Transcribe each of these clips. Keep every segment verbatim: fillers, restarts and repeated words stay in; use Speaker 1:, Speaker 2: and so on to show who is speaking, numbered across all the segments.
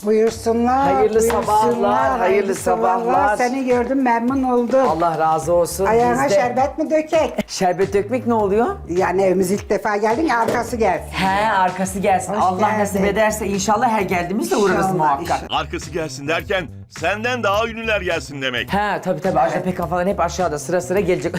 Speaker 1: Buyursunlar.
Speaker 2: Hayırlı
Speaker 1: buyursunlar,
Speaker 2: sabahlar, hayırlı sabahlar.
Speaker 1: Seni gördüm, memnun oldum.
Speaker 2: Allah razı olsun.
Speaker 1: Ayağına
Speaker 2: Biz de-
Speaker 1: şerbet mi dökek?
Speaker 2: Şerbet dökmek ne oluyor?
Speaker 1: Yani evimiz ilk defa geldin ya, arkası gelsin.
Speaker 2: He, arkası gelsin.
Speaker 1: Hoş
Speaker 2: Allah
Speaker 1: geldin.
Speaker 2: nasip ederse inşallah her geldiğimizde uğrarız
Speaker 1: İnşallah,
Speaker 2: muhakkak.
Speaker 1: inşallah.
Speaker 3: Arkası gelsin derken senden daha ünlüler gelsin demek.
Speaker 2: He, tabii tabii. Ajda Pekkan falan hep aşağıda sıra sıra gelecek.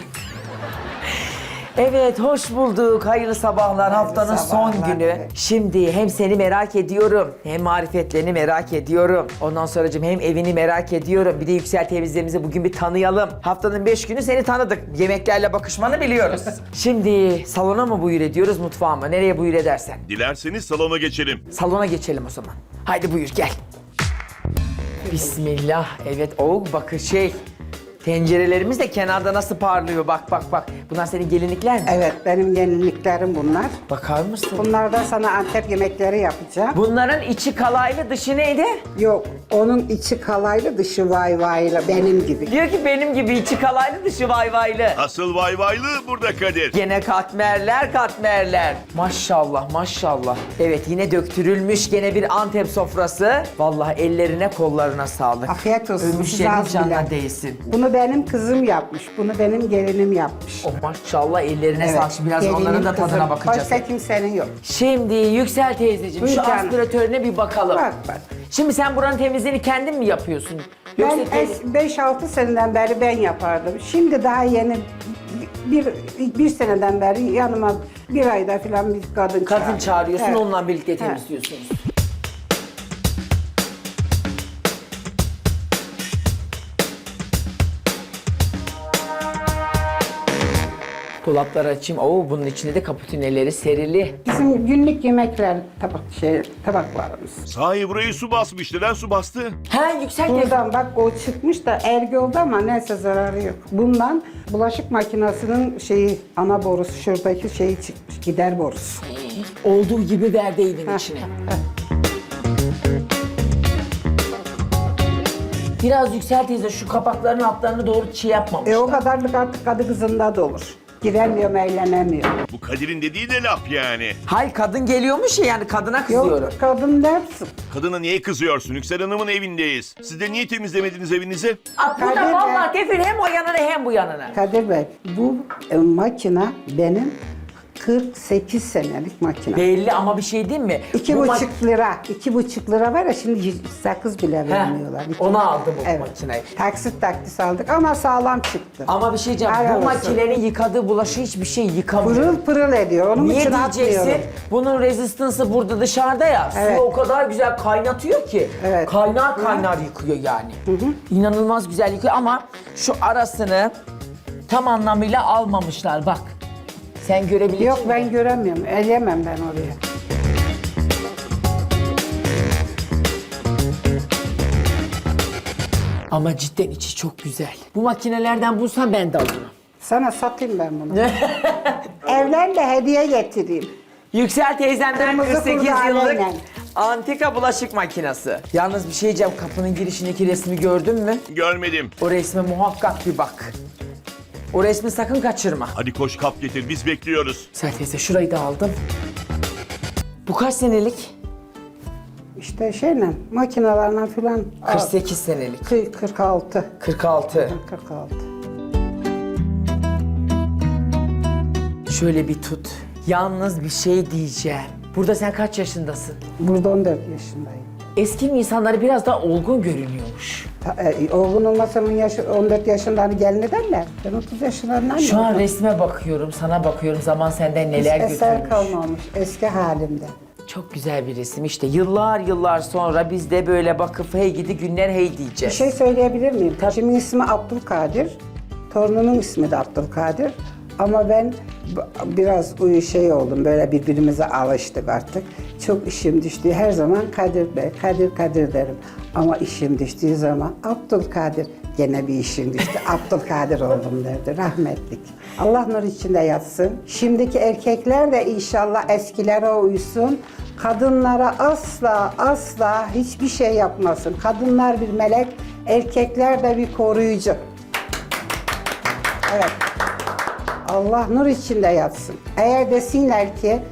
Speaker 2: Evet, hoş bulduk. Hayırlı sabahlar. Haftanın son
Speaker 1: sabahlar.
Speaker 2: günü. Şimdi hem seni merak ediyorum, hem marifetlerini merak ediyorum. Ondan sonracığım hem evini merak ediyorum. Bir de Yüksel teyzemizi bugün bir tanıyalım. Haftanın beş günü seni tanıdık. Yemeklerle bakışmanı biliyoruz. Şimdi salona mı buyur ediyoruz, mutfağa mı? Nereye buyur edersen.
Speaker 3: Dilerseniz salona geçelim.
Speaker 2: Salona geçelim o zaman. Haydi buyur gel. Bismillah. Evet, o bakın şey. Tencerelerimiz de kenarda nasıl parlıyor, bak bak bak. Bunlar senin gelinlikler mi?
Speaker 1: Evet, benim gelinliklerim bunlar.
Speaker 2: Bakar mısın?
Speaker 1: Bunlardan sana Antep yemekleri yapacağım.
Speaker 2: Bunların içi kalaylı, dışı neydi?
Speaker 1: Yok, onun içi kalaylı, dışı vay vaylı, benim gibi.
Speaker 2: Diyor ki benim gibi içi kalaylı, dışı vayvaylı.
Speaker 3: Asıl vay vaylı burada Kadir.
Speaker 2: Gene katmerler, katmerler. Maşallah, maşallah. Evet, yine döktürülmüş gene bir Antep sofrası. Vallahi ellerine, kollarına sağlık.
Speaker 1: Afiyet olsun,
Speaker 2: Ölmüş
Speaker 1: siz
Speaker 2: yerin
Speaker 1: az
Speaker 2: canına
Speaker 1: bilen.
Speaker 2: değsin.
Speaker 1: Bunu benim kızım yapmış, bunu benim gelinim yapmış.
Speaker 2: Oh maşallah, ellerine sağlık. Şimdi biraz
Speaker 1: gelinim,
Speaker 2: onların da tadına
Speaker 1: kızım.
Speaker 2: bakacağız.
Speaker 1: Başka kimsenin yok.
Speaker 2: Şimdi Yüksel teyzeciğim,
Speaker 1: Buyur
Speaker 2: şu
Speaker 1: canım.
Speaker 2: aspiratörüne bir bakalım.
Speaker 1: Bak, bak.
Speaker 2: Şimdi sen buranın temizliğini kendin mi yapıyorsun?
Speaker 1: Ben
Speaker 2: teyze-
Speaker 1: beş altı seneden beri ben yapardım. Şimdi daha yeni bir, bir seneden beri yanıma bir ayda falan bir kadın
Speaker 2: kadın
Speaker 1: çağırdım.
Speaker 2: çağırıyorsun,
Speaker 1: Evet.
Speaker 2: onunla birlikte
Speaker 1: Evet.
Speaker 2: temizliyorsunuz. Dolapları açayım. Oo, bunun içinde de kaputineleri serili.
Speaker 1: Bizim günlük yemekler tabak şey tabaklarımız.
Speaker 3: Sahi burayı su basmış. Neden su bastı?
Speaker 2: Ha, Yüksel teyze.
Speaker 1: Buradan bak o çıkmış da ergi oldu ama neyse zararı yok. Bundan bulaşık makinesinin şeyi ana borusu şuradaki şeyi çıkmış gider borusu.
Speaker 2: Olduğu gibi verdi evin içine. Biraz Yüksel teyze şu kapakların altlarını doğru çiğ yapmamışlar.
Speaker 1: E o kadarlık artık kadı kızında da olur. Giremiyorum, eğlenemiyor.
Speaker 3: Bu Kadir'in dediği de laf yani.
Speaker 2: Hayır, kadın geliyormuş ya, yani kadına kızıyorum.
Speaker 1: Yok kadın dersin.
Speaker 3: Kadına niye kızıyorsun? Yüksel Hanım'ın evindeyiz. Siz de niye temizlemediniz evinizi?
Speaker 2: Aa, bu da
Speaker 1: Kadir
Speaker 2: vallahi kefil hem o yanına hem bu yanına.
Speaker 1: Kadir Bey, bu e, makine benim kırk sekiz senelik makine.
Speaker 2: Belli ama bir şey değil mi?
Speaker 1: İki
Speaker 2: Bu
Speaker 1: buçuk
Speaker 2: mak-
Speaker 1: lira, iki buçuk lira var ya şimdi yüz- sakız bile vermiyorlar. İki-
Speaker 2: onu aldı bu
Speaker 1: evet.
Speaker 2: makineyi.
Speaker 1: Taksit taktis aldık ama sağlam çıktı.
Speaker 2: Ama bir şey diyeceğim,
Speaker 1: Helal
Speaker 2: bu
Speaker 1: olsun.
Speaker 2: makinenin yıkadığı bulaşığı hiçbir şey yıkamıyor.
Speaker 1: Pırıl pırıl ediyor, onun
Speaker 2: Niye
Speaker 1: için
Speaker 2: diyeceksin?
Speaker 1: atmıyorum.
Speaker 2: Bunun rezistansı burada dışarıda ya.
Speaker 1: Evet.
Speaker 2: Suyu o kadar güzel kaynatıyor ki.
Speaker 1: Evet.
Speaker 2: Kaynar kaynar yıkıyor yani. İnanılmaz güzel yıkıyor ama şu arasını tam anlamıyla almamışlar bak. Sen görebilecek
Speaker 1: Yok
Speaker 2: misin?
Speaker 1: ben göremiyorum, eleyemem ben oraya.
Speaker 2: Ama cidden içi çok güzel. Bu makinelerden bulsam ben de alırım.
Speaker 1: Sana satayım ben bunu. Evlen de hediye getireyim.
Speaker 2: Yüksel teyzemden
Speaker 1: Kırmızı
Speaker 2: kırk sekiz
Speaker 1: kurdaleyle.
Speaker 2: yıllık antika bulaşık makinesi. Yalnız bir şey diyeceğim, kapının girişindeki resmi gördün mü?
Speaker 3: Görmedim.
Speaker 2: O resme muhakkak bir bak. O resmi sakın kaçırma.
Speaker 3: Hadi koş kap getir. Biz bekliyoruz.
Speaker 2: Yüksel teyze şurayı da aldım. Bu kaç senelik?
Speaker 1: İşte şeyle, makinelerle falan.
Speaker 2: kırk sekiz senelik.
Speaker 1: Kı- kırk altı.
Speaker 2: kırk altı.
Speaker 1: kırk altı.
Speaker 2: Şöyle bir tut. Yalnız bir şey diyeceğim. Burada sen kaç yaşındasın?
Speaker 1: Burada on dört yaşındayım.
Speaker 2: Eski insanları biraz daha olgun görünüyormuş.
Speaker 1: Ta- E, oğlun olmasının yaşı on dört yaşında hani gelin ederler. Ben otuz yaşlarından
Speaker 2: Şu an
Speaker 1: yokum.
Speaker 2: resme bakıyorum, sana bakıyorum. Zaman senden neler
Speaker 1: Eser
Speaker 2: götürmüş.
Speaker 1: kalmamış eski halimde.
Speaker 2: Çok güzel bir resim işte. Yıllar yıllar sonra biz de böyle bakıp hey gidi günler hey
Speaker 1: Bir
Speaker 2: diyeceğiz.
Speaker 1: şey söyleyebilir miyim? Eşimin ismi Abdülkadir. Torununun ismi de Abdülkadir. Ama ben b- biraz uyu şey oldum, böyle birbirimize alıştık artık. Çok işim düştüğü her zaman Kadir Bey, Kadir Kadir derim. Ama işim düştüğü zaman Abdülkadir, gene bir işim düştü, Abdülkadir oldum derdi, rahmetlik. Allah nur içinde yatsın. Şimdiki erkekler de inşallah eskilere uysun. Kadınlara asla asla hiçbir şey yapmasın. Kadınlar bir melek, erkekler de bir koruyucu. Evet. Allah nur içinde yatsın. Eğer desinler ki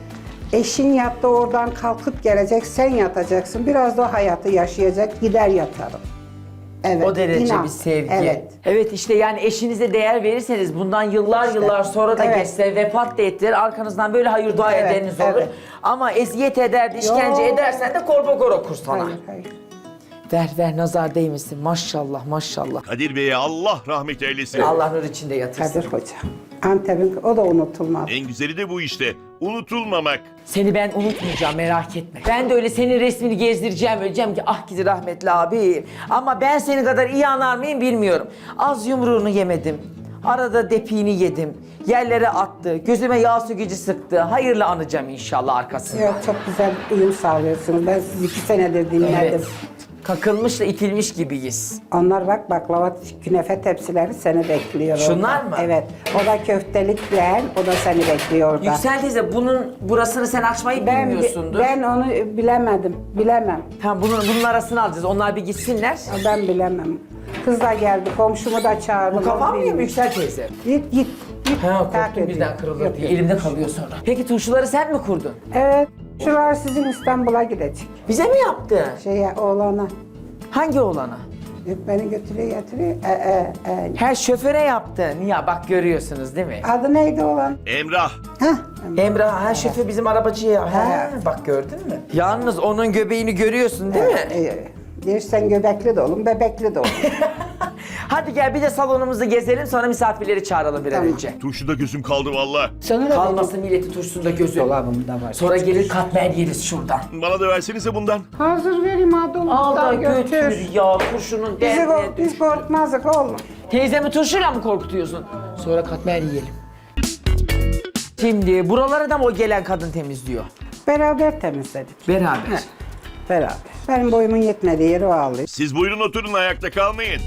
Speaker 1: Eşin yattı oradan kalkıp gelecek, sen yatacaksın. Biraz da o hayatı yaşayacak, gider yatarım. Evet,
Speaker 2: O derece
Speaker 1: inan.
Speaker 2: bir sevgi.
Speaker 1: Evet.
Speaker 2: Evet işte yani eşinize değer verirseniz bundan yıllar
Speaker 1: İşte,
Speaker 2: yıllar sonra da
Speaker 1: evet.
Speaker 2: geçse vefat da ettiler arkanızdan böyle hayır dua
Speaker 1: Evet,
Speaker 2: edeniniz olur.
Speaker 1: evet.
Speaker 2: Ama eziyet eder, işkence
Speaker 1: Yok.
Speaker 2: edersen de korbogor okur sana.
Speaker 1: Hayır, hayır.
Speaker 2: Ver ver nazar değmesin maşallah maşallah.
Speaker 3: Kadir Bey'e Allah rahmet eylesin.
Speaker 2: Allah nur içinde yatırsın.
Speaker 1: Kadir Hoca. Antep'in, o da unutulmaz.
Speaker 3: En güzeli de bu işte. Unutulmamak.
Speaker 2: Seni ben unutmayacağım merak etme. Ben de öyle senin resmini gezdireceğim. Öleceğim ki ah gidi rahmetli abi. Ama ben seni kadar iyi anar mıyım bilmiyorum. Az yumruğunu yemedim. Arada depiğini yedim. Yerlere attı. Gözüme yağ sökücü sıktı. Hayırlı anacağım inşallah arkasında.
Speaker 1: Yok, çok güzel uyum sağlıyorsunuz. Ben sizi iki senedir dinledim.
Speaker 2: Evet. Kakılmış da itilmiş gibiyiz.
Speaker 1: Onlar bak baklava künefe tepsileri seni bekliyor
Speaker 2: Şunlar
Speaker 1: orada.
Speaker 2: mı?
Speaker 1: Evet. O da köftelikle, o da seni bekliyor orada.
Speaker 2: Yüksel teyze bunun burasını sen açmayı
Speaker 1: ben,
Speaker 2: bilmiyorsundur.
Speaker 1: ben onu bilemedim. Bilemem.
Speaker 2: Tamam bunun, bunun arasını alacağız. Onlar bir gitsinler.
Speaker 1: Ben bilemem. Kız da geldi, komşumu da çağırdım.
Speaker 2: Bu kafam
Speaker 1: onu
Speaker 2: mı
Speaker 1: bilmiyorum.
Speaker 2: Yüksel teyze?
Speaker 1: Git git. git.
Speaker 2: Ha
Speaker 1: Takip
Speaker 2: korktum
Speaker 1: ediyor.
Speaker 2: birden kırılır
Speaker 1: Yok,
Speaker 2: diye.
Speaker 1: yok.
Speaker 2: Elimde kalıyor sonra. Peki turşuları sen mi kurdun?
Speaker 1: Evet. Şular sizin İstanbul'a gidecek.
Speaker 2: Bize mi yaptı?
Speaker 1: Şeye, oğlana.
Speaker 2: Hangi oğlana?
Speaker 1: Yok, beni götürüyor getiriyor. E, e, e.
Speaker 2: Her şoföre yaptı. Niye? Bak görüyorsunuz değil mi?
Speaker 1: Adı neydi oğlan?
Speaker 3: Emrah.
Speaker 1: Hah.
Speaker 2: Emrah, her şoför bizim arabacıya.
Speaker 1: Ha.
Speaker 2: He, bak gördün mü? Yalnız onun göbeğini görüyorsun değil mi?
Speaker 1: E, Dersen göbekli de olun, bebekli de olun.
Speaker 2: Hadi gel bir de salonumuzu gezelim sonra misafirleri çağıralım bir an
Speaker 1: Tamam.
Speaker 2: önce.
Speaker 3: Turşuda gözüm kaldı valla.
Speaker 1: Sana da
Speaker 2: Kalmasın milletin turşusunda gözü.
Speaker 1: dolabımda var.
Speaker 2: Sonra gelir katmer yeriz şuradan.
Speaker 3: Bana da versenize bundan.
Speaker 1: Hazır vereyim ha
Speaker 2: Al da
Speaker 1: dolaptan
Speaker 2: götür
Speaker 1: götür.
Speaker 2: ya turşunun
Speaker 1: Bizi
Speaker 2: derdine
Speaker 1: kork,
Speaker 2: düş.
Speaker 1: biz korkmazdık oğlum.
Speaker 2: Teyzemi turşuyla mı korkutuyorsun? Sonra katmer yiyelim. Şimdi buraları da mı o gelen kadın temizliyor?
Speaker 1: Beraber temizledik.
Speaker 2: Beraber.
Speaker 1: He, beraber. Benim boyumun yetmediği yeri o ağlıyor.
Speaker 3: Siz buyurun oturun, ayakta kalmayın.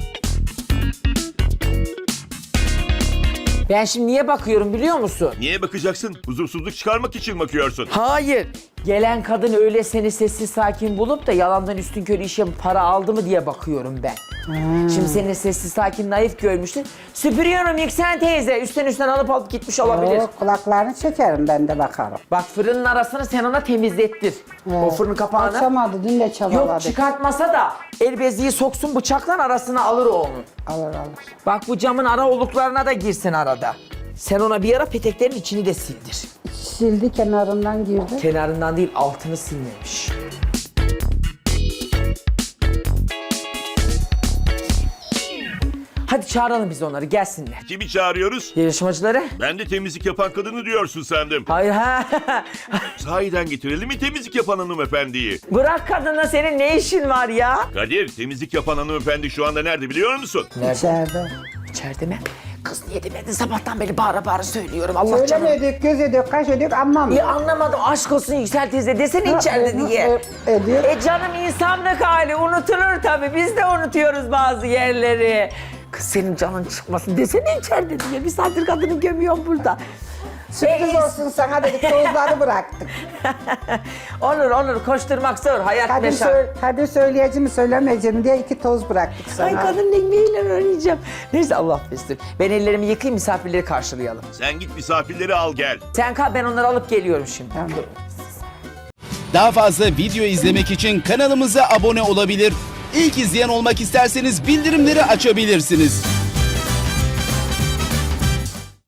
Speaker 2: Ben şimdi niye bakıyorum biliyor musun?
Speaker 3: Niye bakacaksın? Huzursuzluk çıkarmak için bakıyorsun.
Speaker 2: Hayır. Gelen kadın öyle seni sessiz sakin bulup da yalandan üstünkörü işe para aldı mı diye bakıyorum ben. Şimdi seni sessiz sakin naif görmüştün. Süpürüyorum Yüksel teyze. Üstten üstten alıp alıp gitmiş olabilir.
Speaker 1: O kulaklarını çekerim, ben de bakarım.
Speaker 2: Bak fırının arasını sen ona temizlettir. O fırın kapağını.
Speaker 1: Açamadı, dün de
Speaker 2: Yok
Speaker 1: çabaladık.
Speaker 2: çıkartmasa da el beziyi soksun bıçakla arasına alır o onun.
Speaker 1: Alır alır.
Speaker 2: Bak bu camın ara oluklarına da girsin arada. Sen ona bir ara peteklerin içini de sildir.
Speaker 1: Sildi, kenarından girdi.
Speaker 2: Kenarından değil altını silmemiş. Hadi çağıralım biz onları gelsinler.
Speaker 3: Kimi çağırıyoruz?
Speaker 2: Yarışmacıları?
Speaker 3: Ben de temizlik yapan kadını diyorsun sandım.
Speaker 2: Hayır ha.
Speaker 3: Sahiden getirelim mi temizlik yapan hanımefendiyi?
Speaker 2: Bırak kadınla senin ne işin var ya?
Speaker 3: Kadir, temizlik yapan hanımefendi şu anda nerede biliyor musun?
Speaker 1: İçeride.
Speaker 2: İçeride mi? Kız niye demedin sabahtan beri bağıra bağıra söylüyorum Allah canım.
Speaker 1: Söylemedik, göz ediyor, kaş ediyor, anlamıyor.
Speaker 2: Ya anlamadım aşk olsun Yüksel teyze desene içeride
Speaker 1: Ha,
Speaker 2: diye.
Speaker 1: e, ediyor.
Speaker 2: E canım insanlık hali unutulur tabii biz de unutuyoruz bazı yerleri. Kız senin canın çıkmasın desene içeride diye bir saattir kadını gömüyorum burada.
Speaker 1: Sürpriz
Speaker 2: E,
Speaker 1: olsun sana dedik, tozları bıraktık.
Speaker 2: Olur olur koşturmak zor hayat
Speaker 1: Kadir,
Speaker 2: meşak.
Speaker 1: söyle, Kadir söyleyeceğim mi söylemeyeceğim diye iki toz bıraktık sana.
Speaker 2: Ay kadın ekmeğiyle oynayacağım. Neyse Allah affetsin. Ben ellerimi yıkayayım misafirleri karşılayalım.
Speaker 3: Sen git misafirleri al gel.
Speaker 2: Sen kal ben onları alıp geliyorum şimdi.
Speaker 1: Tamam.
Speaker 4: Daha fazla video izlemek için kanalımıza abone olabilir. İlk izleyen olmak isterseniz bildirimleri açabilirsiniz.